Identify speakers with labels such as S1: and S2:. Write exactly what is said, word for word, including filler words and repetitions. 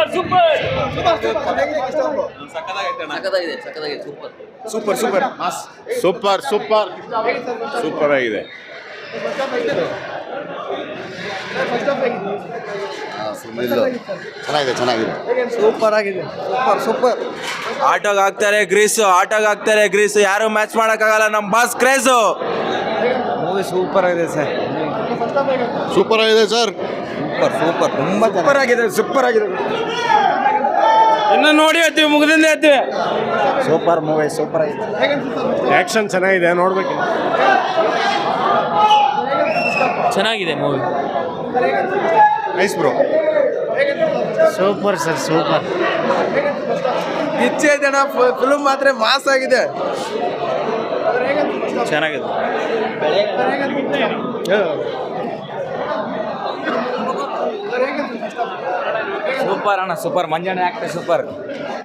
S1: ಸಖತ್ತಾಗಿದೆ ಸಖತ್ತಾಗಿದೆ super
S2: super super mass
S3: super super super ಆಗಿದೆ.
S2: ಚೆನ್ನಾಗಿದೆ ಚೆನ್ನಾಗಿದೆ ಸೂಪರ್ ಆಗಿದೆ ಸೂಪರ್ ಸೂಪರ್.
S4: ಆಟೋಗೆ ಹಾಕ್ತಾರೆ ಗ್ರೀಸು, ಆಟೋಗೆ ಹಾಕ್ತಾರೆ ಗ್ರೀಸು, ಯಾರು ಮ್ಯಾಚ್ ಮಾಡೋಕ್ಕಾಗಲ್ಲ ನಮ್ಮ ಬಾಸ್ ಕ್ರೇಜು.
S2: ಮೂವಿ ಸೂಪರ್ ಆಗಿದೆ ಸರ್.
S3: ಸೂಪರ್ ಆಗಿದೆ ಸರ್.
S2: ಸೂಪರ್ ಸೂಪರ್ ತುಂಬ ಸೂಪರ್ ಆಗಿದೆ ಸೂಪರ್ ಆಗಿದೆ.
S4: ಇನ್ನು ನೋಡಿ ಹೇಳ್ತೀವಿ, ಮುಗಿದಿಂದ ಹೇಳ್ತೀವಿ.
S2: ಸೂಪರ್ ಮೂವಿ ಸೂಪರ್ ಆಗಿದೆ.
S3: ಆಕ್ಷನ್ ಚೆನ್ನಾಗಿದೆ, ನೋಡ್ಬೇಕು.
S1: ಚೆನ್ನಾಗಿದೆ movie.
S3: Nice bro.
S2: Super sir super.
S4: ಇಚ್ಛೆ ಜನ ಫಿಲ್ಮ್ ಮಾತ್ರ ಮಾಸ್ ಆಗಿದೆ.
S1: ಚೆನ್ನಾಗಿದೆ.
S4: ಸೂಪರ್ ಅಣ್ಣ ಸೂಪರ್. Manjanna actor super.